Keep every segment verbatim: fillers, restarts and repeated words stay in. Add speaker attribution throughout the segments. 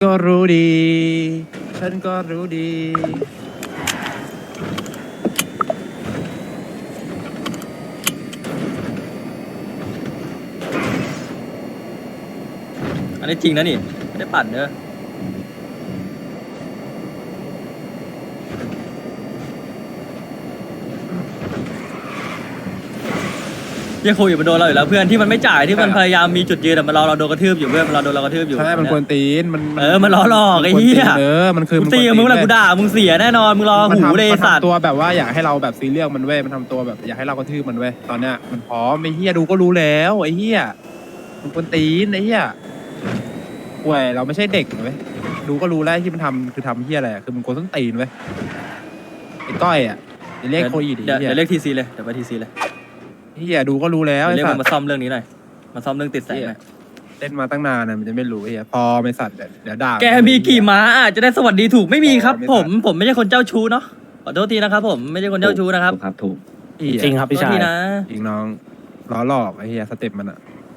Speaker 1: ก็รู้ดีฉันก็รู้ดี
Speaker 2: อันนี้จริงนะนี่ไม่ได้ปั่นเนอะยังคุยอยู่มันโดนเราอยู่แล้วเพื่อนที่มันไม่จ่ายที่มันพยายามมีจุดยืนแต่มันรอเราโดนกระทืบอยู่เพื่อนมันรอโดนเรากระทืบอยู่
Speaker 1: ใช่มันกวนตีนมัน
Speaker 2: เออมันล้อหลอกไอ้เหี้ย
Speaker 1: เออมันคือ
Speaker 2: มึงตีกับมึงเวลากูด่ามึงเสียแน่นอนมึงรอ
Speaker 1: มัน
Speaker 2: หู
Speaker 1: ทำ
Speaker 2: เลย
Speaker 1: มัน
Speaker 2: สัตว์
Speaker 1: ทำตัวแบบว่าอยากให้เราแบบซีเรียสมันเว้ยมันทำตัวแบบอยากให้เรากระทืบมันเว้ยตอนเนี้ยมันพร้อมไอ้เหี้ยดูก็รู้แล้วไอ้เหี้ยมันกวนตีนไอ้เหี้ยป่วยเราไม่ใช่เด็กเว้ยดูก็รู้แล้วที่มันทำคือทำเหี้ยอะไรคือมันกวนต้นตีนเว้ยไอ้ก้อยอ่ะไอ้เลขโคอีด
Speaker 2: เดี๋ยว
Speaker 1: ไอ้เหี้ย
Speaker 2: เดี๋ยวเรียกทีซีเลยเดี๋ยวไปทีซีเลย
Speaker 1: เหี้ยดูก็รู้แล้ว
Speaker 2: เดี๋ยว
Speaker 1: ไอ้
Speaker 2: เรียก
Speaker 1: สั
Speaker 2: มั
Speaker 1: ต
Speaker 2: น
Speaker 1: ว์
Speaker 2: มาซ่อมเรื่องนี้หน่อยมาซ่อมเรื่องติดแสงหน่อย
Speaker 1: เล่นมาตั้งนานนะมันจะไม่รู้ไอ้เหี้ยพอไม่สัตว์เดี๋ยวเดี๋ยวด่า
Speaker 2: แกมีกี่ม้าอ่ะจะได้สวัสดีถูกไม่มีครับ
Speaker 1: ไม่
Speaker 2: ผ
Speaker 1: ทั
Speaker 2: ม
Speaker 1: น
Speaker 2: ผมไม่ใช่คนเจ้าชู้เนาะขอโทษทีนะครับผมไม่ใช่คนเจ้าชู้นะครับ
Speaker 3: ครับถูก
Speaker 1: เหี้ย
Speaker 3: จริงครับพี่
Speaker 2: ขอโทษ
Speaker 3: ชาย
Speaker 2: ทีนะ
Speaker 1: จริงน้องล้อหลอกไอ้เหี้ยสเต็ปมันอ่ะ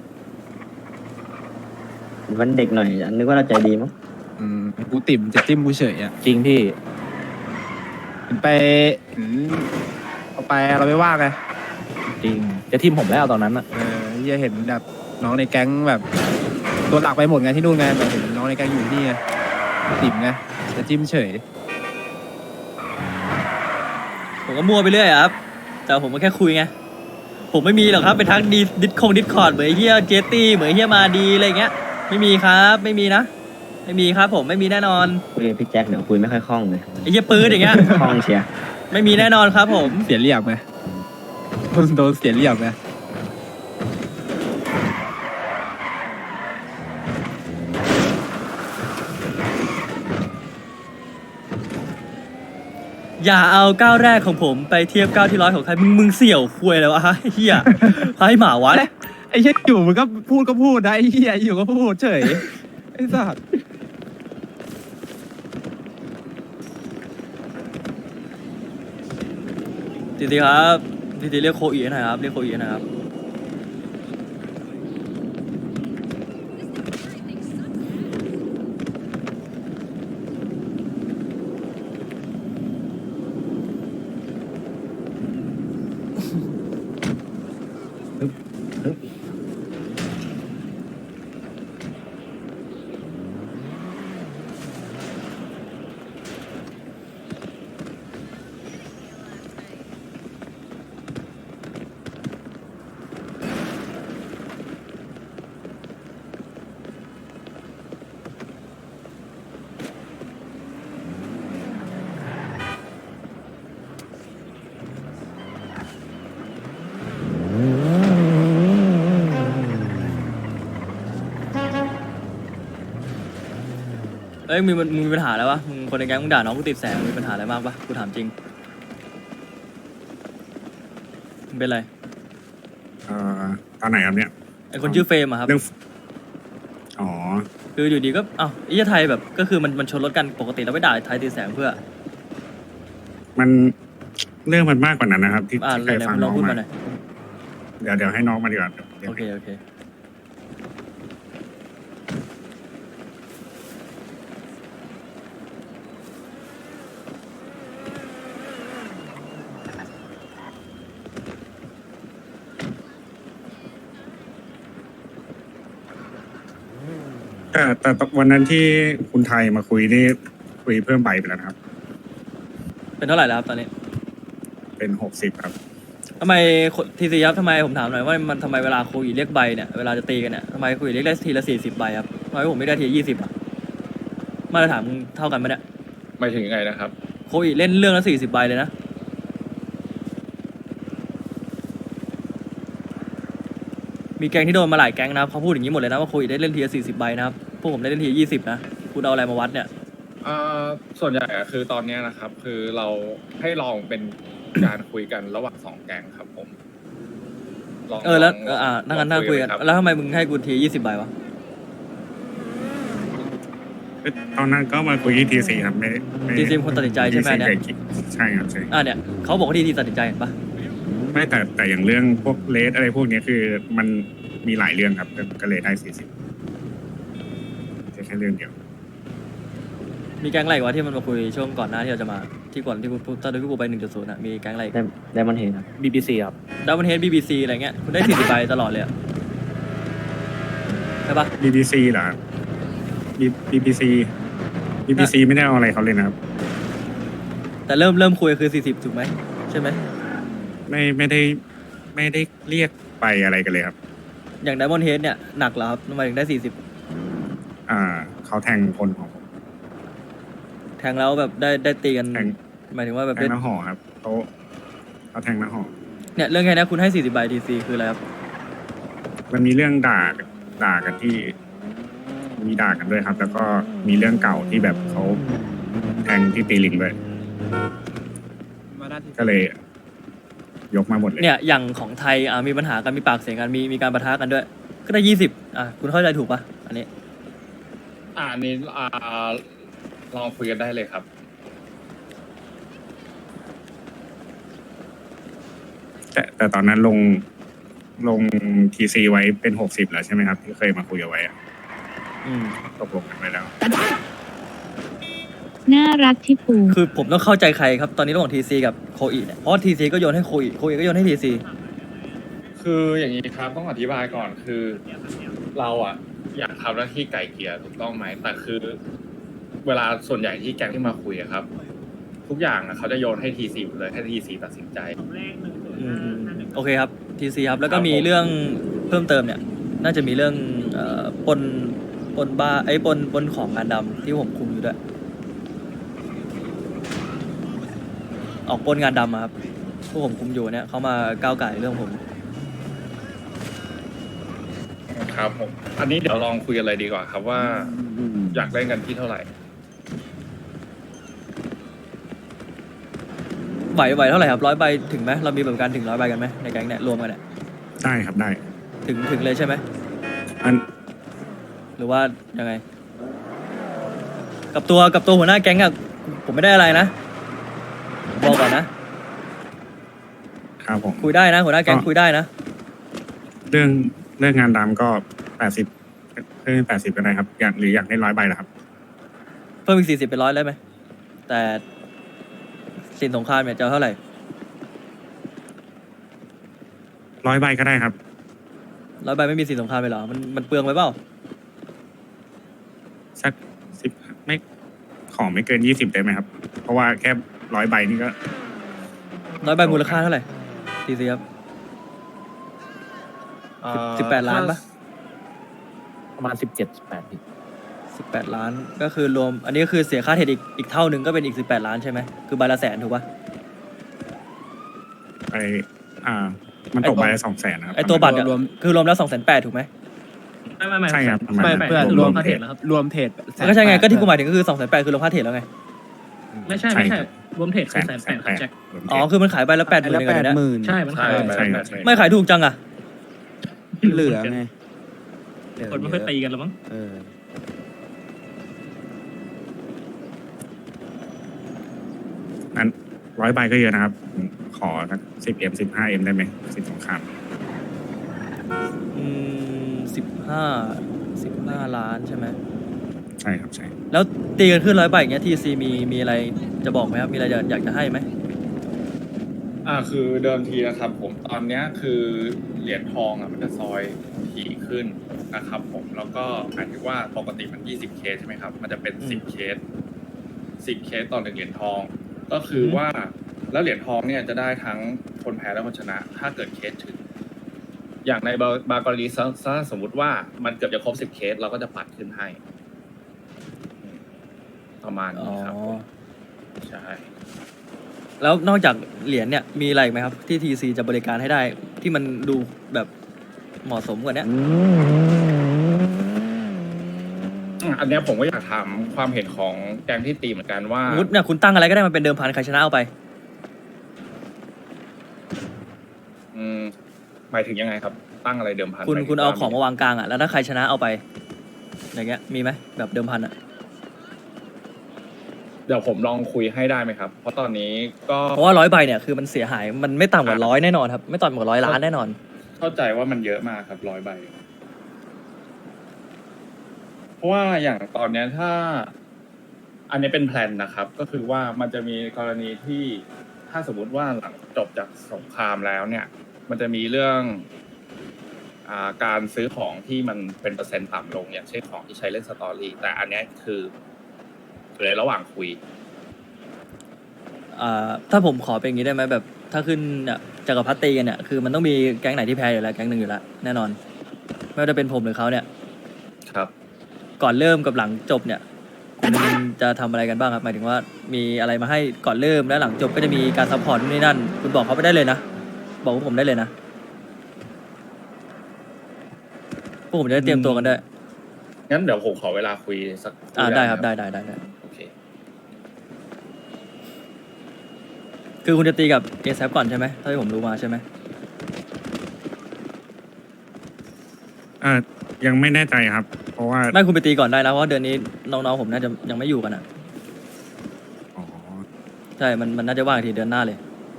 Speaker 3: วันเด็กหน่อยนึกว่าเราใจดีมั้ง
Speaker 1: อืมกูติ่มจะจิ้มกูเฉยอ่ะ
Speaker 3: จริงพี่
Speaker 1: เห็นไปเห็นเอาไปเราไม่ว่าไง
Speaker 3: จริงจะทิมผมแล้วตอนนั้นอะ
Speaker 1: เออเหี้ยเห็นแบบน้องในแก๊งแบบตัวหลักไปหมดไงที่นู่นไงแต่เห็นน้องในแก๊งอยู่ที่นี่ไงติ่มไงจะจิ้มเฉย
Speaker 2: ผมก็มั่วไปเรื่อยอะครับแต่ผมก็แค่คุยไงผมไม่มีหรอกครับไปทักดีดิสคงดิสคอร์ดเหมือนไอ้เฮียเจตี้เหมือนไอ้เฮียมาดีอะไรเงี้ยไม่มีครับไม่มีนะไม่มีครับผมไม่มีแน่นอน
Speaker 3: คุยกับพี่แจ็คเดี๋ยวคุยไม่ค่อยคล่องเลย
Speaker 2: ไอ้เฮียปืนอย่างเงี้ย
Speaker 3: คล่องเชียร์
Speaker 2: ไม่มีแน่นอนครับผม
Speaker 1: เสียเรียบไหมโดนเสียเรียบไหม
Speaker 2: อย่าเอาก้าวแรกของผมไปเทียบก้าวที่ร้อยของใครมึงมึงเสี่ยวคุยเลยวะเฮียให้หมาวัด
Speaker 1: ไอ้เหี้ยอยู่มันก็พูดก็พูดนะไอ้เหี้ยอยู่ก็พูดเฉยไอ้สัตว์
Speaker 2: ทีทีครับทีทีเรียกโคอีหน่อยครับเรียกโคอีหน่อยครับเอ้ยมึงมึงมีปัญหาแล้ววะมึงคนในแก๊งมึงด่าน้องกูติดแสงมีปัญหาอะไรมากปะกูถามจริงมึงเป็นไร
Speaker 4: เอ่อตอนไหนครับเนี่ย
Speaker 2: ไอคนชื่อเฟรมอะครับ
Speaker 4: เรื่องอ๋อ
Speaker 2: คืออยู่ดีก็อ้าวไอ้เหี้ยไทยแบบก็คือมันมันชนรถกันปกติเราไม่ด่าไทยติดแสงเพื่อ
Speaker 4: มันเรื่องมันมากกว่านั้นนะครับ ที่
Speaker 2: อ่า
Speaker 4: ที่
Speaker 2: ไหน
Speaker 4: เคยฟัง
Speaker 2: ๆล
Speaker 4: น้
Speaker 2: อ
Speaker 4: องง
Speaker 2: พูด
Speaker 4: มา
Speaker 2: มาหน่อย
Speaker 4: เดี๋ยวเดี๋ยวให้น้องมาดีกว่าเดี๋ยวเดี๋ยว
Speaker 2: โอเคโอเค
Speaker 4: แต่แต่วันนั้นที่คุณไทยมาคุยนี่คุยเพิ่มใบไปแล้วนะครับ
Speaker 2: เป็นเท่าไหร่แล้วครับตอนนี้
Speaker 4: เป็นหกสิบครับ
Speaker 2: ทำไมทีซีครับทำไมผมถามหน่อยว่ามันทำไมเวลาคุยเรียกใบเนี่ยเวลาจะตีกันเนี่ยทำไมคุยเรียกได้ทีละสี่สิบใบครับทำไมผมไม่ได้ทียี่สิบอ่ะมาตรฐานมึงเท่ากันไหมเนี่ย
Speaker 5: หมายถึงยังไงนะครับ
Speaker 2: โคอีเล่นเรื่องละสี่สิบใบเลยนะมีแก๊งที่โดนมาหลายแก๊งนะครับเขาพูดอย่างนี้หมดเลยนะว่าโคอีได้เล่นทีละสี่สิบใบนะครับพวกผมได้เล่นทีละยี่สิบนะคุณเอาอะไรมาวัดเนี่ย
Speaker 5: เอ่อส่วนใหญ่อะคือตอนเนี้ยนะครับ คือเราให้ลองเป็น การคุยกันระหว่างสองแก๊งครับผมลอง
Speaker 2: เออแล้ว
Speaker 5: ง
Speaker 2: เอออ่านั่งกัน
Speaker 5: ล
Speaker 2: นั่
Speaker 5: อง
Speaker 2: คุยกัน
Speaker 5: รับ
Speaker 2: แล้วทำไมมึงให้กูทียี่สิบใบวะ
Speaker 4: ตอนนั้นก็มาคุยที่ทีซีครับไม่ไม่
Speaker 2: ทีซีคนตัดสินใจใช่ไหมเนี่ย
Speaker 4: ใช่ครับใช่
Speaker 2: อ่าเนี่ยเขาบอกว่าทีทีตัดสินใจเห็นปะ
Speaker 4: ไม่แต่แต่อย่างเรื่องพวกเลสอะไรพวกเนี้ยคือมันมีหลายเรื่องครับก็เลยได้สี่สิบแค่เรื่องเดียว
Speaker 2: มีแก๊งอะไรอีกวะที่มันมาคุยช่วงก่อนหน้าที่เราจะมาที่ก่อนที่กูตอนที่กูไปหนึ่งจุดศูนย์อะมีแก๊งอะไร
Speaker 3: ได้ได้มันเห็นครับ
Speaker 6: บีบีซีครับ
Speaker 2: ดับเบิลเฮดบีบีซีอะไรเงี้ยคุณได้สี่สิบใบตลอดเลยอะใช่ปะ
Speaker 4: บี บี ซี เหรอครับ B- บี บี ซี บี บี ซี ไม่ได้เอาอะไรเขาเลยนะครับ
Speaker 2: แต่เริ่มเริ่มคุยคือสี่สิบถูกไหมใช่ไหม
Speaker 4: ไม่ไม่ได้ไม่ได้เรียกไปอะไรกันเลยครับ
Speaker 2: อย่างดับเบิลเฮดเนี่ยหนักเหรอครับทำไมถึงได้สี่สิบ
Speaker 4: อ่าเขาแทงคนของผม
Speaker 2: แทงแล้วแบบได้ได้ตีกัน
Speaker 4: แทง
Speaker 2: หมายถึงว่าแบบ
Speaker 4: แท
Speaker 2: ได้
Speaker 4: งหน้าหอครับเขาเขาแทงหน้าหอ
Speaker 2: เนี่ยเรื่องแค่นี้คุณให้สี่สิบใบทีซีคืออะไรครับ
Speaker 4: มันมีเรื่องด่ากันด่ากันที่ มีด่ากันด้วยครับ แล้วก็มีเรื่องเก่าที่แบบเขาแทงที่ตีลิงด้วย
Speaker 1: มาด้านที่
Speaker 4: ก็เลย ยกมาหมดเลย
Speaker 2: เนี่ยอย่างของไทยอ่ามีปัญหากันมีปากเสียงกันมีมีการปะทะกันด้วย ก็ได้ยี่สิบอ่ะคุณเข้าใจถูกปะอันนี้
Speaker 5: อ่าอันนี้อ่าลองคุยกันได้เลยครับ
Speaker 4: แต่แต่ตอนนั้นลงลงทีซีไว้เป็นหกสิบแล้วใช่ไหมครับ ที่เคยมาคุยเอาไว้อะ
Speaker 2: อืม
Speaker 4: ตกลงกันไปแล้ว
Speaker 7: น่ารักที่ปู
Speaker 2: คือผมต้องเข้าใจใครครับตอนนี้ระหว่างทีซีกับโคอีเนี่ยเพราะทีซีก็โยนให้โคอีโคอีก็โยนให้ทีซี
Speaker 5: คืออย่างนี้ครับต้องอธิบายก่อนคือ เราอ่ะ อยากทำหน้าที่ไก่เกลี่ยถูกต้องไหมแต่คือ เวลาส่วนใหญ่ที่แก๊งที่มาคุยอะครับ ทุกอย่างอะเขาจะโยนให้ทีซีเลยให้ทีซีตัดสินใจ
Speaker 2: อืมโอเคครับทีซีครับแล้วก็
Speaker 5: ครับ
Speaker 2: มี
Speaker 5: ผม
Speaker 2: เรื่องเพิ่มเติมเนี่ย น่าจะมีเรื่องเอ่อปนปนบ้าไอ้ยปนปนของงานดำที่ผมคุมอยู่ด้วยออกปนงานดำอะครับพวกผมคุมอยู่เนี่ยเขามาก้าวไก่เรื่องผม
Speaker 5: ครับผม อันนี้เดี๋ยวลองคุยกันเลยดีกว่าครับว่าอยากเล่นกันที่เท่าไหร่
Speaker 2: ไหวไหวเท่าไหร่ครับร้อยใบถึงไหมเรามีแบบการถึงร้อยใบกันไหมในแก๊งเนี่ยรวมกันเนี่ย
Speaker 4: ได้ครับได้
Speaker 2: ถึงถึงเลยใช่ไหม
Speaker 4: อัน
Speaker 2: หรือว่ายังไง กับตัวกับตัวหัวหน้าแก๊งอะผมไม่ได้อะไรนะบอกก่อนนะครับ
Speaker 4: ผม
Speaker 2: คุยได้นะหัวหน้าแก๊งคุยได้นะ
Speaker 4: เรื่องเรื่องงานดำก็แปดสิบเพิ่มแปดสิบก็ได้ครับ อยากหรืออยากได้ร้อยใบเหรอครับ
Speaker 2: เพิ่มอีกสี่สิบเป็นร้อยได้ไหมแต่สินสงครามเนี่ยจะเอาเท่าไหร่
Speaker 4: ร้อยใบก็ได้ครับ
Speaker 2: ร้อยใบไม่มีสินสงครามไปเหรอมันมันเปลืองไปเปล่า
Speaker 4: สักสิบไม่ของไม่เกินยี่สิบได้ไหมครับ เพราะว่าแค่ร้อยใบนี่ก็
Speaker 2: ร้อยใบมูลค่าเท่าไหร่ทีซีครับสิบแปดล้านปะ
Speaker 6: ประมาณสิบเจ็ดสิบแปด
Speaker 2: สิบแปดล้านก็คือรวม อันนี้ก็คือเสียค่าเทรดอีกอีกเท่าหนึ่งก็เป็นอีกสิบแปดล้านใช่ไหมคือใบละแสนถูกปะ
Speaker 4: ไปอ่า มันตกใบละสองแสนนะครับ
Speaker 2: ไอตัวบัตรเนี่ยคือรวมแล้วสองแสนแปดถูกไหม
Speaker 6: ไม่ไม่ไม่
Speaker 4: ใช่ครับประมาณ
Speaker 1: ไม่
Speaker 4: นั้น
Speaker 1: เพื่อน
Speaker 4: ร
Speaker 1: ร
Speaker 4: ว
Speaker 1: ว
Speaker 4: ม
Speaker 1: ม
Speaker 4: เท
Speaker 1: เท
Speaker 4: ร
Speaker 1: ร
Speaker 4: ด
Speaker 1: ดรวมเทรด
Speaker 2: ก็ใช่ไงก็ที่กูหมายถึงก็คือสองแสนแปดคือรวมค่าเทรดแล้วไง
Speaker 6: ไม่ใช่
Speaker 4: ใช่
Speaker 6: ไม่
Speaker 4: ค
Speaker 6: ใช่
Speaker 4: รับ
Speaker 6: รวมเทรดคือแสนแปดครับแจ็ค
Speaker 4: รวมเทรด
Speaker 2: อ๋อคือมันขายใบละแปดหมื่น
Speaker 1: ละ
Speaker 2: เอง
Speaker 1: แป
Speaker 2: เหรอ
Speaker 1: ด
Speaker 2: เนี่ย
Speaker 1: หมื่น
Speaker 6: ใช่มัน
Speaker 5: ใช่
Speaker 6: ขาย
Speaker 5: ใช่ใช่
Speaker 2: ไม่ขายถูกจังอะ
Speaker 1: เหลือไง
Speaker 6: คนไม่ค่อยตีกันหรอมั้ง
Speaker 1: เออ
Speaker 4: นั้นร้อยใบก็เยอะนะครับผมขอสักสิบเอ็มสิบห้าเอ็มได้ไหมสิบสงคราม
Speaker 2: อืมสิบห้าสิบห้าล้านใช่ไหม
Speaker 4: ใช่ครับใช่
Speaker 2: แล้วตีกันขึ้นร้อยใบอย่างเงี้ยทีซีมีมีอะไรจะบอกไหมครับมีอะไรอยากอยากจะให้ไหม
Speaker 5: อ่าคือเดิมทีนะครับ ผมตอนเนี้ยคือเหรียญทองอ่ะมันจะซอยถี่ขึ้นนะครับ ผมแล้วก็หมายถึงว่าปกติมันยี่สิบเคสใช่ไหมครับ มันจะเป็นสิบเคสสิบเคสต่อหนึ่งเหรียญทอง ก็คือว่าแล้วเหรียญทองเนี่ยจะได้ทั้งคนแพ้และคนชนะ ถ้าเกิดเคสถึง อย่างในบางบางกรณีถ้าสมมุติว่ามันเกือบจะครบสิบเคสเราก็จะปัดขึ้นให้อืมประมาณ
Speaker 2: อ๋อ
Speaker 5: นี้ครับผมใช่
Speaker 2: แล้วนอกจากเหรียญเนี่ยมีอะไรอีกไหมครับที่ทีซีจะบริการให้ได้ที่มันดูแบบเหมาะสมกว่าเนี้ย
Speaker 5: อืมอันเนี้ยผมก็อยากถามความเห็นของแกงที่ตีเหมือนกันว่า
Speaker 2: สมมติเนี่ยคุณตั้งอะไรก็ได้มันเป็นเดิมพันใครชนะเอาไป
Speaker 5: อืมหมายถึงยังไงครับ ตั้งอะไรเดิมพัน
Speaker 2: คุณ
Speaker 5: หมยถึ
Speaker 2: คุณเอา
Speaker 5: ว่
Speaker 2: ของมาวางกลางอ่ะแล้วถ้าใครชนะเอาไปอย่างเงี้ยมีไหมแบบเดิมพันอ่ะ
Speaker 5: เดี๋ยวผมลองคุยให้ได้ไหมครับ เพราะตอนนี้ก็
Speaker 2: เพราะว่าร้อยใบเนี่ยคือมันเสียหายมันไม่ต่ำกว่าร้อยแน่นอนครับไม่ต่ำกว่าร้อยล้านแน่นอน
Speaker 5: เข้าใจว่ามันเยอะมากครับร้อยใบ เพราะว่าอย่างตอนเนี้ยถ้าอันนี้เป็นแพลนนะครับ ก็คือว่ามันจะมีกรณีที่ถ้าสมมุติว่าหลังจบจากสงครามแล้วเนี่ย มันจะมีเรื่องอ่าการซื้อของที่มันเป็นเปอร์เซ็นต์ต่ำลงอย่างเช่นของที่ใช้เล่นสตอรี่แต่อันเนี้ยคืออยู่ในระหว่างคุย
Speaker 2: อ่าถ้าผมขอเป็นอย่างนี้ได้ไหมแบบถ้าขึ้นเนี่ยจักรพรรดิตีกันเนี่ยคือมันต้องมีแก๊งไหนที่แพ้อยู่แล้วแก๊งหนึ่งอยู่แล้วแน่นอนไม่ว่าจะเป็นผมหรือเขาเนี่ย
Speaker 5: ครับ
Speaker 2: ก่อนเริ่มกับหลังจบเนี่ยคุณจะทำอะไรกันบ้างครับหมายถึงว่ามีอะไรมาให้ก่อนเริ่มและหลังจบก็จะมีการซัพพอร์ตนู่นนี่นั่นคุณบอกเขาไปได้เลยนะบอกพวกผมได้เลยนะพวกผมจะได้เตรียมตัวกันด้วย
Speaker 5: งั้นเดี๋ยวผมขอเวลาคุยสัก
Speaker 2: อ่าได้ครับ
Speaker 5: หม
Speaker 2: ได้ได้ได้ได้
Speaker 5: โอเค
Speaker 2: คือคุณจะตีกับเอซก่อนใช่ไหมถ้าที่ผมรู้มาใช่ไหม
Speaker 4: อ่ายังไม่แน่ใจครับ เพราะว่า
Speaker 2: ไม่คุณไปตีก่อนได้นะเพราะว่าเดือนนี้น้องๆผมน่าจะยังไม่อยู่กันอ่ะ
Speaker 4: อ๋อ
Speaker 2: ใช่มันมันน่าจะว่างทีเดือนหน้าเลย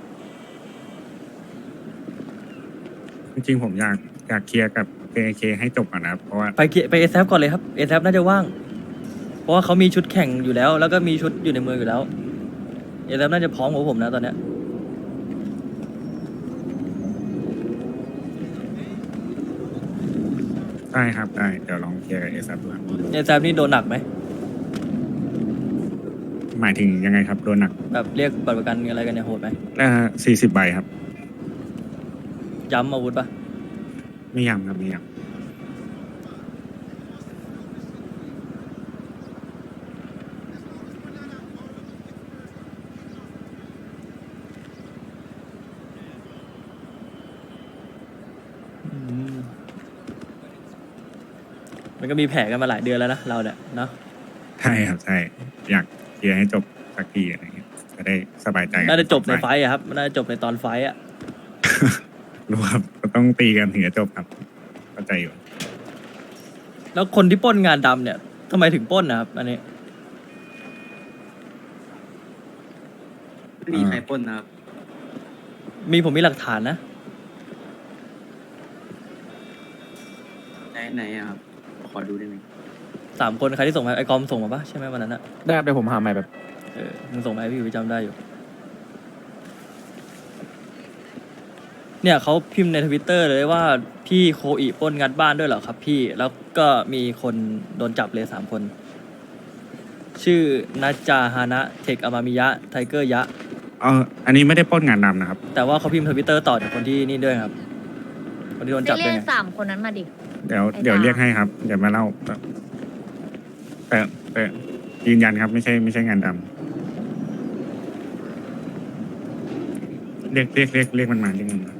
Speaker 4: จริงๆผมอยากอยากเคลียร์กับ เค เค ให้จบก่อนนะครับ เพราะว่า
Speaker 2: ไปเกียไปเอซก่อนเลยครับเอซน่าจะว่าง เพราะว่าเขามีชุดแข่งอยู่แล้ว แล้วก็มีชุดอยู่ในเมืองอยู่แล้วเอซน่าจะพร้อมกว่าผมนะตอนเนี้ย
Speaker 4: ได้ครับได้เดี๋ยวลองเคลียร์กับเอซับดูครับ
Speaker 2: เอซนี่โดนหนักไหม
Speaker 4: หมายถึงยังไงครับโดนหนัก
Speaker 2: แบบเรียกบัตรประกันอะไรกันเนี่ยโหดไหม
Speaker 4: อ่าสี่สิบใบครับ
Speaker 2: ย้ำอาวุธปะ
Speaker 4: ไม่ยำครับไม่ย
Speaker 2: อืมมันก็มีแผลกันมาหลายเดือนแล้วนะเราเนี่ยเนาะ
Speaker 4: ำใช่ครับใช่อยากเคลียร์ให้จบสักทีอะไรเงี้ยจะได้สบายใจกั
Speaker 2: น่าจะจบในไฟ
Speaker 4: ฝ่าย
Speaker 2: ต์อะครับน่าจะจบในตอนไฟต์อะ
Speaker 4: รู้ครับก็ต้องตีกันถึงจะจบครับเข้าใจอยู่
Speaker 2: แล้วคนที่ปล้นงานดำเนี่ยทำไมถึงปล้นนะครับอันนี้
Speaker 7: ไม่มีใครปล้นนะครับ
Speaker 2: มีผมมีหลักฐานนะ
Speaker 7: ไหนไหนอะครับ ขอดูได้ไหม
Speaker 2: สามคนใครที่ส่งมาไอคอมส่งมาปะใช่ไหมวันนั้นอะ
Speaker 3: ได้ครับเดี๋ยวผมหาใหม่แบบ
Speaker 2: เออมึงส่งมาให้พี่วิจำได้อยู่ เนี่ยเขาพิมพ์ในทวิตเตอร์เลยว่าพี่โคอิปล้นงัดบ้านด้วยเหรอครับพี่แล้วก็มีคนโดนจับเลยสามคน ชื่อนัจจาฮานะเทคอามามิยะไทเกอร์ยะ
Speaker 4: เอออันนี้ไม่ได้ปล้นงานดำนะครับ
Speaker 2: แต่ว่าเขาพิมพ์ทวิตเตอร์ต่อจากคนที่นี่ด้วยครับ คนที่โดน
Speaker 8: ไป
Speaker 2: จับ
Speaker 8: เรี
Speaker 2: ด้วย
Speaker 8: ก
Speaker 2: ไง
Speaker 8: สามคนนั้นมาดิ
Speaker 4: เดี๋ยว
Speaker 8: ไอ้
Speaker 4: เดี๋ยว
Speaker 8: ดา
Speaker 4: เรียกให้ครับ เดี๋ยวมาเล่าแต่แต่แต่ยืนยันครับ ไม่ใช่ไม่ใช่งานดำเรียกเรียกเรียกเรียกมันมาเรียกมันมา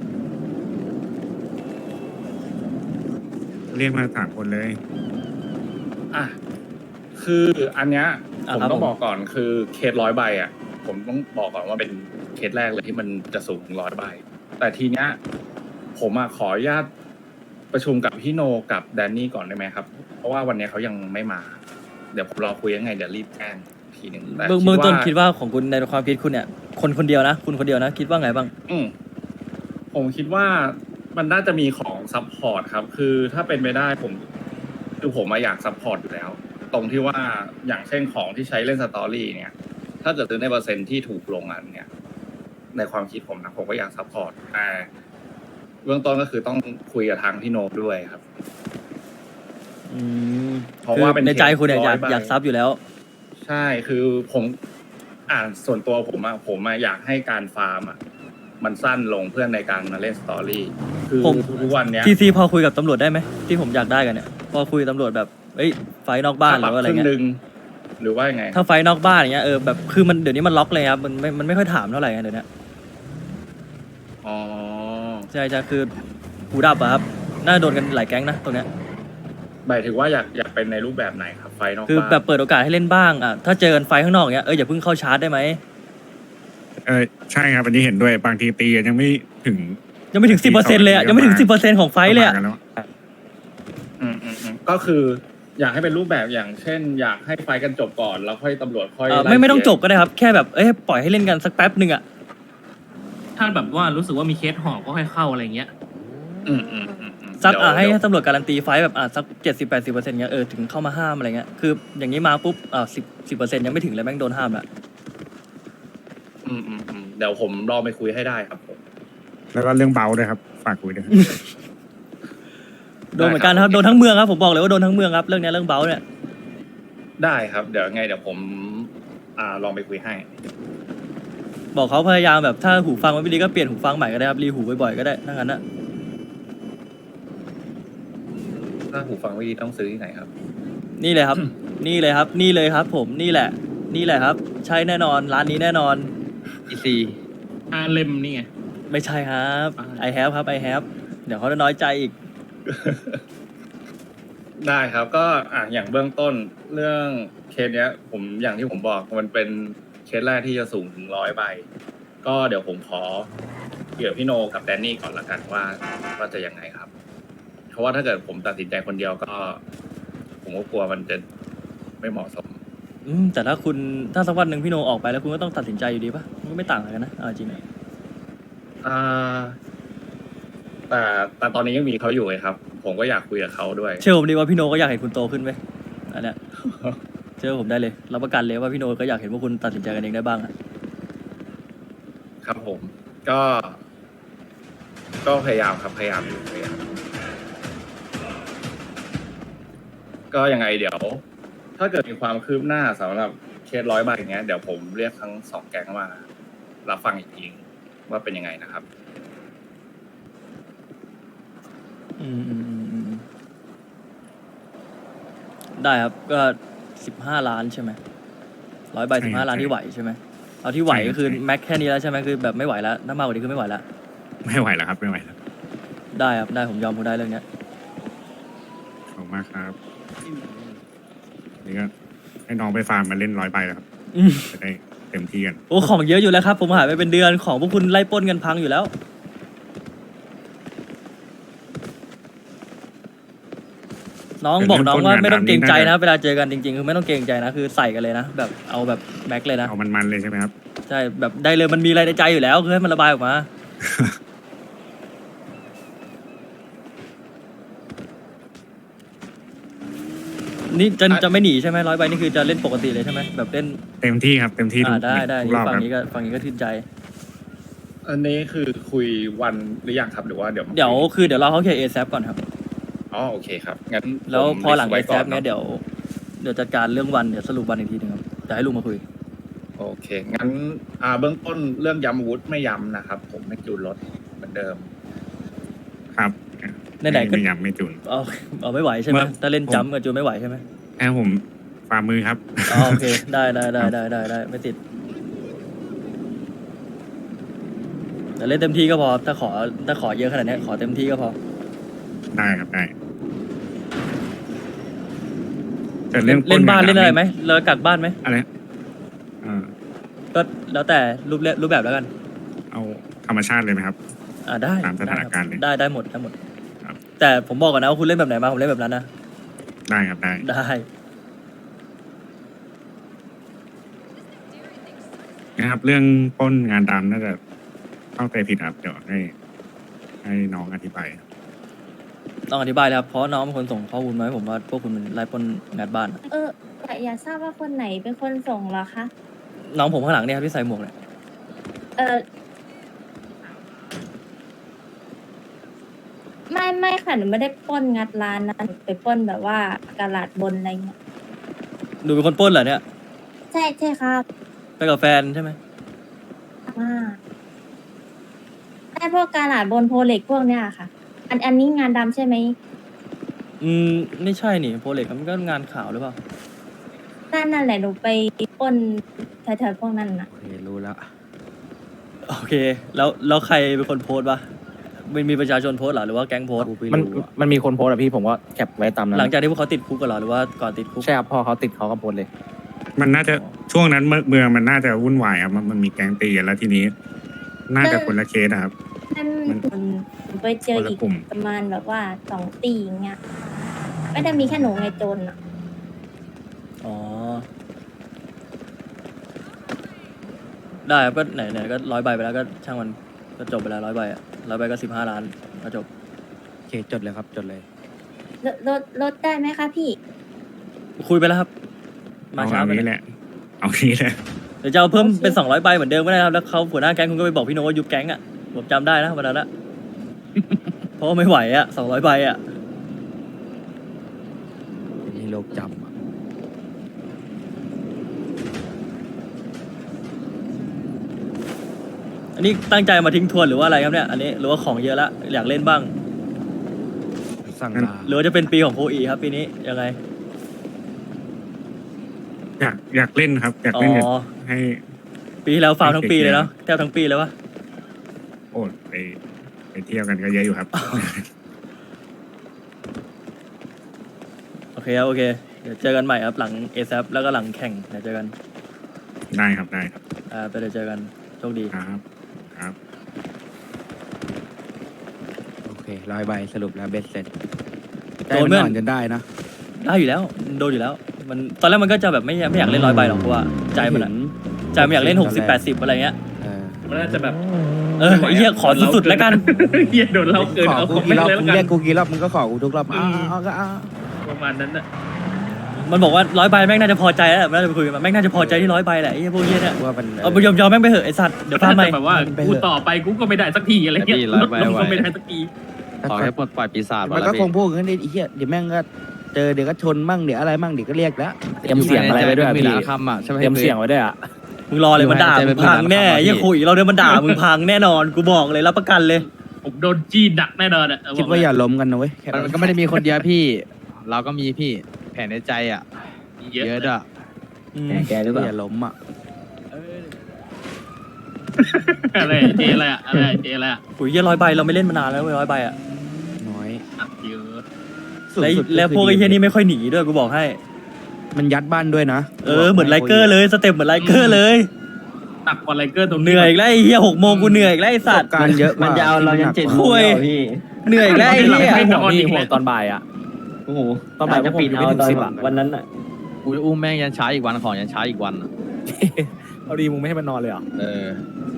Speaker 4: เรียกมาสามคนเลย
Speaker 5: อ่ะคืออันเนี้ย
Speaker 2: อ่ะ
Speaker 5: ผม
Speaker 2: ครับ
Speaker 5: ต้อง
Speaker 2: ผม
Speaker 5: บอกก่อนคือเคสร้อยใบอ่ะ ผมต้องบอกก่อนว่าเป็นเคสแรกเลยที่มันจะสูงถึงร้อยใบ แต่ทีเนี้ยผมอะขออนุญาตประชุมกับพี่โนกับแดนนี่ก่อนได้ไหมครับ เพราะว่าวันเนี้ยเขายังไม่มา เดี๋ยวผมรอคุยยังไงเดี๋ยวรีบแจ้งทีหนึ่งแต่
Speaker 2: เบื้องเบื้องต้นคิดว่าของคุณในความคิดคุณเนี่ย คนคนเดียวนะ คุณคนเดียวนะ คิดว่าไงบ้าง
Speaker 5: อืมผมคิดว่ามันน่าจะมีของซัพพอร์ตครับ คือถ้าเป็นไปได้ผมคือผมมาอยากซัพพอร์ตอยู่แล้ว ตรงที่ว่าอย่างเช่นของที่ใช้เล่นสตอรี่เนี่ย ถ้าเกิดซื้อในเปอร์เซ็นต์ที่ถูกลงอันเนี่ย ในความคิดผมนะผมก็อยากซัพพอร์ตแต่เบื้องต้นก็คือต้องคุยกับทางพี่โนบด้วยครับ
Speaker 2: อืม
Speaker 5: เพราะว่าเป็น
Speaker 2: ในใจคุณเนี่ยอยาก
Speaker 5: ร้อยใบ
Speaker 2: อยากซับอยู่แล้ว
Speaker 5: ใช่คือผมอ่านส่วนตัวผมอะผมอะอยากให้การฟาร์มอะมันสั้นลงเพื่อในการมาเล่นสตอรี่คือ
Speaker 2: ผม
Speaker 5: ทุกวันเนี้ย
Speaker 2: ทีซีพอคุยกับตำรวจได้ไหมที่ผมอยากได้กันเนี่ยพอคุยกับตำรวจแบบเอ้ยไฟนอกบ้านหรือว่าอะไร
Speaker 5: ครึ่ง
Speaker 2: เงี้
Speaker 5: ห
Speaker 2: ย
Speaker 5: นึ่งหรือว่ายังไง
Speaker 2: ถ้าไฟนอกบ้านอย่างเงี้ยเออแบบคือมันเดี๋ยวนี้มันล็อกเลยครับมันไม่มันไม่ค่อยถามเท่าไหร่ไงเดี๋ยวนี้
Speaker 5: อ๋อ
Speaker 2: ใช่ใช่คือหูดับอะครับน่าโดนกันหลายแก๊งนะตรงเนี้ย
Speaker 5: หมายถึงว่าอยากอยากเป็นในรูปแบบไหนครับ ไฟนอก
Speaker 2: คือ
Speaker 5: บ้าน
Speaker 2: แบบเปิดโอกาสให้เล่นบ้างอ่ะถ้าเจอกันไฟข้างนอกอย่างเงี้ยเอออย่าเพิ่งเข้าชาร์จได้ไหม
Speaker 4: เออใช่ครับอันนี้เห็นด้วยบางทีตีกันยังไม่ถึง
Speaker 2: ยังไม่ถึงสิบเปอร์เซ็นต์เลยอ่ะยังไม่ถึงสิบเปอร์เซ็นต์ของไฟเลยอ่ะ
Speaker 4: ประมาณกันแล้ว
Speaker 5: อืมอืมอืมก็คือ อยากให้เป็นรูปแบบอย่างเช่น อยากให้ไฟกันจบก่อนแล้วค่อยตำรวจค่อย
Speaker 2: เออ
Speaker 5: ล่
Speaker 2: ไม่ไม่ต้อง
Speaker 5: เค
Speaker 2: จ
Speaker 5: ส
Speaker 2: บก็ได้ครับแค่แบบเอ้ยปล่อยให้เล่นกันสักแป๊บหนึ่งอ่ะ
Speaker 6: ถ้าแบบว่ารู้สึกว่ามีเคสห่อก็ค่อยเข้าอะไรเงี้ย
Speaker 5: อืมอืมอืมอืม
Speaker 2: สัก
Speaker 5: เดี๋ยว
Speaker 2: อ่ะให้
Speaker 5: เดี๋ยว
Speaker 2: ให้ตำรวจการันตีไฟต์แบบอ่ะสักเจ็ดสิบแปดสิบเปอร์เซ็นต์เงี้ยเออถึงเข้ามาห้ามอะไรเงี้ยคืออย่างนี้มาปุ๊บอ่ะสิบสิบเปอร์เซ็นต์ยังไม่ถึงเลยแม่งโดนห้ามละ
Speaker 5: อืมอืมอืมเดี๋ยวผมลองไปคุยให้ได้ครับผม
Speaker 4: แล้วก็เรื่องเบาด้วยครับ ฝากคุยด้วย
Speaker 2: โดนเหมือนกันครับโดนทั้งเมืองครับผมบอกเลยว่าโดนทั้งเมืองครับเรื่องเนี้ยเรื่องเบาเนี่ย
Speaker 5: ได้ครับเดี๋ยวไงเดี๋ยวผมอ่าลองไปคุยให้
Speaker 2: บอกเขาพยายามแบบถ้าหูฟังมันไม่ดีก็เปลี่ยนหูฟังใหม่ก็ได้ครับรีหูบ่อยๆก็ได้ถ้างั้นนะ
Speaker 5: ถ้าหูฟังไม่ดีต้องซื้อที่ไหนครับ
Speaker 2: นี่เลยครับ นี่เลยครับ นี่เลยครับ ผมนี่แหละ นี่แหละครับ ใช่แน่นอนร้านนี้แน่นอน
Speaker 1: อีซี
Speaker 6: อาเลมนี่ไง
Speaker 2: ไม่ใช่ครับ
Speaker 6: อ่า
Speaker 2: I have ครับ I have เดี๋ยวเขาจะน้อยใจอีก
Speaker 5: ได้ครับก็อ่ะอย่างเบื้องต้นเรื่องเคสเนี้ย ผมอย่างที่ผมบอกมันเป็นเคสแรกที่จะสูงถึงร้อยใบ ก็เดี๋ยวผมขอเกี่ยวพี่โนกับแดนนี่ก่อนละกันว่าว่าจะยังไงครับ เพราะว่าถ้าเกิดผมตัดสินใจคนเดียวก็ ผมก็กลัวมันจะไม่เหมาะสม
Speaker 2: อืมแต่ถ้าคุณถ้าสักวันหนึ่งพี่โนออกไปแล้วคุณก็ต้องตัดสินใจอยู่ดีปะมันก็ไม่ต่างกันนะเอาจริงอะ
Speaker 5: อ่าแต่แต่ตอนนี้ยังมีเขาอยู่ไงครับ ผมก็อยากคุยกับเขาด้วย
Speaker 2: เชื่อผมดีว่าพี่โนก็อยากเห็นคุณโตขึ้นไหมอันเนี้ยเชื่อผมได้เลยรับประกันเลยว่าพี่โนก็อยากเห็นว่าคุณตัดสินใจกันเองได้บ้างอะ
Speaker 5: ครับผม ก็ ก็พยายามครับพยายามอยู่พยายามก็ยังไงเดี๋ยว ถ้าเกิดมีความคืบหน้าสำหรับเคสร้อยใบอย่างเงี้ยเดี๋ยวผมเรียกทั้งสองแก๊งมารับฟังอีกทีว่าเป็นยังไงนะครับ
Speaker 2: อืมอืมอืมอืมได้ครับก็สิบห้าล้านใช่ไหมร้อยใบ
Speaker 4: ใช่
Speaker 2: สิบ
Speaker 4: ครั
Speaker 2: ห้า
Speaker 4: บ
Speaker 2: ล้านที่ไหวใช่ไหมเอาที่ไหว
Speaker 4: ใช่ครั
Speaker 2: ก็
Speaker 4: บ
Speaker 2: คือ
Speaker 4: ใช่
Speaker 2: แม็กแค่นี้แล้วใช่ไหมคือแบบไม่ไหวแล้วถ้ามากกว่านี้คือไม่ไหวแล้ว
Speaker 4: ไม่ไหวแล้วครับ ไม่ไหวแล้ว
Speaker 2: ได้ครับได้ผมยอมคุณได้เรื่องเนี้ย
Speaker 4: ขอบคุณมากครับนี่ก็ให้น้องไปฟาร์มมาเล่นร้อยใบแล้วครับ
Speaker 2: อืม
Speaker 4: จะได้เต็มที่กัน
Speaker 2: โอ้ของเยอะอยู่แล้วครับผมหายไปเป็นเดือนของพวกคุณไล่ปล้นกันพังอยู่แล้ว น้องบอกน้องว่าไม่ต้องเกรงใจนะเวลาเจอกันจริงๆคือไม่ต้องเกรงใจนะคือใส่กันเลยนะแบบเอาแบบแม็กเลยนะ
Speaker 4: เอามันๆเลยใช่ไหมครับ
Speaker 2: ใช่แบบได้เลยมันมีอะไรในใจอยู่แล้วคือให้มันระบายออกมา นี่จะจะไม่หนีใช่ไหมร้อยใบนี่คือจะเล่นปกติเลยใช่ไหมแบบเล่น
Speaker 4: เต็มที่ครับ เต็มที่ทุ
Speaker 2: อ่าก ได้ได้
Speaker 4: ทุกรอบ
Speaker 2: ฝั่
Speaker 4: ค
Speaker 2: ง
Speaker 4: รับ
Speaker 2: นี้ก็ฝั่งนี้ก็ทื่นใจ
Speaker 5: อันนี้คือคุยวันหรือยังครับหรือว่าเดี๋ยว
Speaker 2: เดี๋ยวคือเดี๋ยวเราเขาเคลียร์เอซก่อนครับ
Speaker 5: อ๋อโอเคครับงั้น
Speaker 2: แล้ว
Speaker 5: ผม
Speaker 2: พอหลัง
Speaker 5: ลิ
Speaker 2: เอ
Speaker 5: สต์
Speaker 2: ซ
Speaker 5: ไว้ก่
Speaker 2: เนี้ยเดี๋ยวเดี๋ยวจัดการเรื่องวันเดี๋ยวสรุปวันอีกทีหนึงครับจะให้ลุงมาคุย
Speaker 5: โอเคงั้นอ่าเบื้องต้นเรื่องย้ำอาวุธไม่ย้ำนะครับ ผมไม่จูนรถเหมือนเดิม
Speaker 4: ครับ
Speaker 2: ไหนๆก็
Speaker 4: ไม่ยำไม่จุน
Speaker 2: เอาเอาไม่ไหวใช่ไหม
Speaker 4: เมื่อ
Speaker 2: ถ้าเล่นจัมป์กับจูนไม่ไหวใช่ไหม
Speaker 4: แค่ผมฟาร์มมือครับ
Speaker 2: อ๋อโอเคได้ได้ได้ได้ได้ได้ไม่ติดแต่เล่นเต็มที่ก็พอถ้าขอถ้าขอเยอะขนาดเนี้ยขอเต็มที่ก็พอ
Speaker 4: ได้ครับได้จะเล่
Speaker 2: เล่
Speaker 4: น
Speaker 2: นเล่นบ้าน
Speaker 4: ปล้
Speaker 2: เล่นอะไรไหมเรากักบ้านไหม
Speaker 4: อะไรเออ
Speaker 2: ก็แล้วแต่รูปเล่รูปแบบแล้วกัน
Speaker 4: เอาธรรมชาติเลยไหมครับ
Speaker 2: อ่าได้
Speaker 4: ตามสถานการณ์เลย
Speaker 2: ได้ได้หมดได้หมด
Speaker 4: ครับ
Speaker 2: แต่ผมบอกก่อนนะว่าคุณเล่นแบบไหนมาผมเล่นแบบนั้นนะ
Speaker 4: ได้ครับได้
Speaker 2: ได้
Speaker 4: นะครับ เรื่องปล้นงานดำน่าจะเข้าใจผิดครับเดี๋ยวให้ ให้น้องอธิบายครับ
Speaker 2: ต้องอธิบายเลยครับเพราะน้องเป็นคนส่งข้อมูลมาให้ผมว่าพวกคุณมันไล่ปล้นงานบ้าน
Speaker 8: เออแต่อยากทราบว่าคนไหนเป็นคนส่งเหรอคะ
Speaker 2: น้องผมข้างหลังเนี่ยครับที่ใส่หมวกเนี่ย
Speaker 8: เออไม่ไม่ค่ะหนูไม่ได้ปล้นงัดร้านนะหนูไปปล้นแบบว่ากระลาดบนอะไรเงี้ย
Speaker 2: ดูเป็นคนปล้นเหรอเนี่ย
Speaker 8: ใช่ใช่ครับ
Speaker 2: ไปกับแฟนใช่ไหม
Speaker 8: อ่าไอ้พวกกระลาดบนโพเล็กพวกเนี้ยค่ะ อันอันนี้งานดำใช่ไหม
Speaker 2: อืมไม่ใช่นี่โปรเล็กมันก็งานข่าวหรือเปล่า
Speaker 8: นั่นนั่นแหละหนูไปปล้นแถวๆพวกนั้นนะ
Speaker 1: โอเครู้แล้ว
Speaker 2: โอเค แล้วแล้วใครเป็นคนโพสต์วะมันมีประชาชนโพสต์เหรอหรือว่าแก๊งโพสต์
Speaker 3: มันมันมีคนโพสต์อะพี่ผมก็แคปไว้ตามนั้น
Speaker 2: หลังจากที่พวกเขาติดคุกกันเหรอหรือว่าก่อนติดคุก
Speaker 3: ใช่ครับพอเขาติดเขาก็โพสต์เลย
Speaker 4: มันน่าจะช่วงนั้นเมืองเมืองมันน่าจะวุ่นวายครับมันมันมีแก๊งตีกันแล้วทีนี้ น่าจะคนละเคสอะครับ
Speaker 8: นั่น
Speaker 4: มัน
Speaker 8: หนูหนูไปเจอ
Speaker 4: คนละ
Speaker 8: อีก
Speaker 4: กลุ่ม
Speaker 8: ประมาณแบบว่าสองตีอย่างเงี้ยไม่ได้มีแค่หนูไงโจรอ่ะ
Speaker 2: อ๋อได้ครับก็ไหนไหนก็ร้อยใบไปแล้วก็ช่างมันก็จบไปแล้วร้อยใบอะร้อยใบก็สิบห้าล้านก็จบ
Speaker 3: เคจดเลยครับจดเลย
Speaker 8: ลดลดลดได้ไหมคะพี่
Speaker 2: คุยไปแล้วครับ มา
Speaker 4: เอา
Speaker 2: ช้า
Speaker 4: เอา
Speaker 2: ไป
Speaker 4: นี้แหละ เอานี้แหละ
Speaker 2: เดี๋ยวจะเอาเพิ่ม
Speaker 8: โอเค
Speaker 2: เป็นสองร้อยใบเหมือนเดิมก็ได้ครับแล้วเขาหัวหน้าแก๊งคุณก็ไปบอกพี่โนว่ายุบแก๊งอ่ะผมจำได้นะวันนั้นอะ เพราะว่าไม่ไหวอ่ะสองร้อยใบอ่ะ
Speaker 3: นี่โลกจำอะ
Speaker 2: อันนี้ตั้งใจมาทิ้งทวนหรือว่าอะไรครับเนี่ยอันนี้หรือว่าของเยอะละอยากเล่นบ้าง
Speaker 3: สั่งลา
Speaker 2: หรือว่าจะเป็นปีของโคอีครับปีนี้ยังไง
Speaker 4: อยากอยากเล่นครับ อยาก
Speaker 2: อ๋อ
Speaker 4: เล่นอยากให้
Speaker 2: ปีที่แล้วฟาร์มทั้งปีเลยเนาะแทบทั้งปีเลยวะ
Speaker 4: โอ้ไปไปเที่ยวกันก็เยอะอยู่ครับ
Speaker 2: โอเคครับโอเคเดี๋ยวเจอกันใหม่ครับหลังเอซแล้วก็หลังแข่งเดี๋ยวเจอกัน
Speaker 4: ได้ครับได้ครับ
Speaker 2: อ่าไปเดี๋ยวเจอกันโชคดี
Speaker 4: ครับครับ
Speaker 3: โอเคร้อยใบสรุปแล้วเบ็ดเสร็จ
Speaker 2: โดนเมื่อน
Speaker 3: ใจมัอ่อนจนได้นะ
Speaker 2: ได้อยู่แล้วโดนอยู่แล้ว มันตอนแรกมันก็จะแบบไม่ไม่อยากเล่นร้อยใบหรอกเพราะว่าใจมันอะใจมันอยากเล่นหกสิบแปดสิบอะไรเงี้ย
Speaker 3: เออ
Speaker 6: มันน่าจะแบบ
Speaker 2: เออไอ้เหี้ยขอสุดๆแล้วกัน
Speaker 6: เฮียโดนเราเกิน
Speaker 3: ขอ
Speaker 6: เอา
Speaker 3: กู
Speaker 6: คอมเม
Speaker 3: กี่
Speaker 6: น
Speaker 3: รอบ
Speaker 6: ต์เลย
Speaker 3: มึ
Speaker 6: แล้ว
Speaker 3: ง
Speaker 6: กั
Speaker 3: เรีย
Speaker 6: น
Speaker 3: กกูกี่รอบมึงก็ขอกูทุกรอบ
Speaker 6: อื
Speaker 3: อ้าม วอ้าวก็อ้าว
Speaker 6: ประมาณนั้นน่ะ
Speaker 2: มันบอกว่าร้อยใบแม่งน่าจะพอใจแล้วแหละมันน่าจะไปคุยกันมาแม่งน่าจะพอใจที่ร้อยใบแหละไอ้เหี้ยพวกเหี้ยเนี่ย
Speaker 3: ว่ามัน
Speaker 2: เอาไปยอมยอมแม่งไปเหอะไอ้สัตว์เดี๋ยวฟาร์มใหม่
Speaker 6: แบบว่ากูต่อไปกูก็ไม่ได้สักทีอะไรเงี้ย
Speaker 9: พี่ร้อยใบ
Speaker 6: ลงก็
Speaker 9: ไว้
Speaker 6: ไม่ได้สักที
Speaker 9: ขอให้ปลดปล่อยปีศาจ
Speaker 3: มัน
Speaker 9: แล้
Speaker 3: ก็
Speaker 9: ว
Speaker 3: ค
Speaker 9: พี่
Speaker 3: งพูดกันได้ไอ้เหี้ยเดี๋ยวแม่งก็เจอเดี๋ยวก็ชนมั่งเดี๋ยวอะไรมั่งเดี๋ยวก็เรียกแล้วเตรียมเสียงอะไรไว้ด้วยอะ
Speaker 9: มี
Speaker 3: พี่
Speaker 9: หลายคำอ่ะใช่ไหม
Speaker 3: เตรียมเสียงไว้ด้วยอ่ะ
Speaker 2: มึงรอเลยมันด่ามึงพังแน่ไอ้เหี้ยคุยเราเดี๋ยวมันด่ามึงพังแน่นอนกูบอกเลยรับประกันเลย
Speaker 6: ผมโดนจี้หนักแน่นอนอ่ะ
Speaker 3: คิดว่าอย่าล้มกันนะเว้ยแค่
Speaker 9: มันก็ไม่ได้มีคนเดียวพี่ เราก็มีพี่แผนในใจอ่ะ
Speaker 6: เยอะ
Speaker 9: เยอะด้วย
Speaker 2: อืม
Speaker 3: แกหรือเปล่าอย่าล้มอ่ะ
Speaker 6: อะไรเจอะไรอะอะไรเจอะไรอะ
Speaker 2: คุยเหี้ยร้อยใบเราไม่เล่นมานานแล้วเว้ยร้อยใบอ่ะ
Speaker 3: น้อย
Speaker 6: เยอะ
Speaker 3: สุด
Speaker 2: แล้ว
Speaker 3: สุด
Speaker 2: แล้วพวกไอ้เหี้ยนี่ไม่ค่อยหนีด้วยกูบอกให้
Speaker 3: มันยัดบ้านด้วยนะ
Speaker 2: เออเหมือนไลเกอร์เลยสเต็ปเหมือนไลเกอร์เลย
Speaker 6: หนักกว่าไลเกอร์ตรง
Speaker 2: เหนื่อยอีกแล้วไอ้เหี้ยหกโมงกูเหนื่อยอีกแล้วไอ้
Speaker 3: ประ
Speaker 2: สั
Speaker 3: ส
Speaker 2: ต
Speaker 3: บ
Speaker 2: ว์
Speaker 3: การณ์เยอะ
Speaker 7: มันจะเอาเรายันเจ็ด
Speaker 2: คุยเหนื่อยอีกแล้วไอ้เหี้ย
Speaker 6: ไม่นอนอีก
Speaker 3: ห่ว
Speaker 6: แล้
Speaker 3: ง
Speaker 6: ว
Speaker 3: ตอนบ่ายอ่ะ
Speaker 7: โอ้โห
Speaker 3: ตอนบ่าย
Speaker 7: จะปิด
Speaker 3: ผม
Speaker 7: เอา
Speaker 3: ไม่ถึง
Speaker 7: ตอน
Speaker 3: สิบอะ
Speaker 7: วันนั้นอ่ะ
Speaker 9: กูอุ้มแม่งยันช้าอีกวันของยันช้าอีกวันอะ
Speaker 3: เอาดีมึงไม่ให้มันนอนเลยเหรอ
Speaker 9: เออ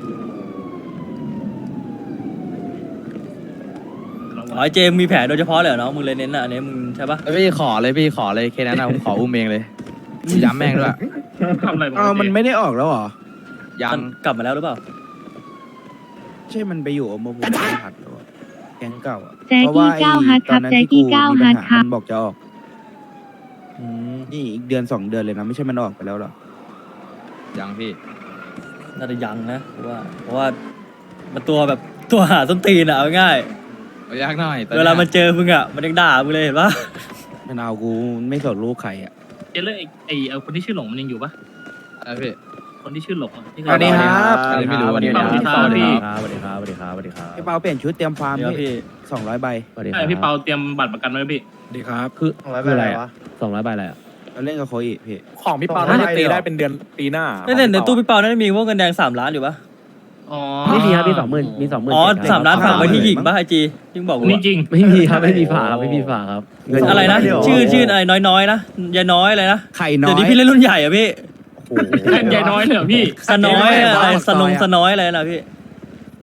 Speaker 2: อ๋อไอ้เจมมีแผลโดยเฉพาะเลยเหรอน้องมึงเลยเน้นอ่ะอันนี้มึงใช่ปะ
Speaker 9: แล้วพี่ขอเลยพี่ขอเลยแค่นั้นนะผมขออุ้มเองเลยย้ำแม่งด้วย
Speaker 6: ทำอะไร
Speaker 3: อ้าวมันไม่ได้ออกแล้วเหรอ
Speaker 9: ยั
Speaker 2: มัน นกลับมาแล้วหรือเปล่า
Speaker 3: ใช่มันไปอยู่อมบุญหัดแล้วอะแก๊งเก่าอะ
Speaker 10: แจ็คกี้
Speaker 3: เพราะว่าไอ้
Speaker 10: เก้าฮัทครับ
Speaker 3: ตอนนั้น
Speaker 10: แจ็ค
Speaker 3: ที่
Speaker 10: กี้เก้า
Speaker 3: มี
Speaker 10: ฮั
Speaker 3: ปัญ
Speaker 10: ท
Speaker 3: หา
Speaker 10: ครับ
Speaker 3: มันบอกจะออก
Speaker 2: อืม
Speaker 3: นี่อีกเดือนสองเดือนเลยนะไม่ใช่มันออกไปแล้วเหรอ
Speaker 9: ยังพี่
Speaker 2: น่าจะยังนะเพราะว่า เพราะว่ามันตัวแบบตัวหาส้นตีนอ่ะเอาง่าย
Speaker 9: เอายากหน่อยตอ
Speaker 2: เวลามันเจอมึงอ่ะมันยังด่ามึงเลยเห็นปะ
Speaker 3: มันเอากูไม่สนลูกใครอ่ะ
Speaker 6: เจเลยไอ้ไอ้เอาคนที่ชื่อหลงมันยังอยู่ปะ
Speaker 9: อะไรพี่
Speaker 6: คนที่ชื่อหลงอะที่เค
Speaker 3: สวัสดีครับ
Speaker 9: อันนี้ไม่รู้วันนี้
Speaker 6: สวัสดีครับพี่
Speaker 3: สวัสดีครับสวัสดีครับสวัสดีครับพี่เปาเปลี่ยนชุดเตรียมฟาร์ม
Speaker 2: เดี๋ยว
Speaker 3: พี่
Speaker 2: พี่
Speaker 3: สองร้อยใบ
Speaker 6: ใช่พี่เปาเตรียมบัตรประกันไว้ไหมพี่
Speaker 1: ดีครับ
Speaker 3: คือคืออะไรอ่ะสองร้อยใบอะไรอ่ะเราเล่นกับโคอีพี่
Speaker 11: ของพี่ปาน่าจะตีได้เป็นเดือนปีหน้า
Speaker 2: ในในในตู้พี่เปาน่าจะมีพวกเงินแดงสามล้านอยู่ปะ
Speaker 6: อ๋อ
Speaker 3: ไม่มีครับพี่สองหมื่นมีสองหมื่น
Speaker 2: อ๋อสามล้านฝากไว้ที่หญิงปะไอจียิ่งบอกกู
Speaker 6: นี่
Speaker 2: อะ
Speaker 6: จริง
Speaker 3: ไม่มีครับไม่มีฝาครับไม่มีฝาครับ
Speaker 2: อะไรนะชื่อชื่ออะไรน้อยๆนะยายน้อยอะไรนะ
Speaker 3: ไข่น้อย
Speaker 2: เดี๋ยวนี้พี่เล่นรุ่นใหญ่อะพี่
Speaker 3: โอ้โห
Speaker 6: แค่ใหญ่น้อยเลยเหรอพี่
Speaker 2: สน้อยอะไรสนงสน้อยอะไรนะพี่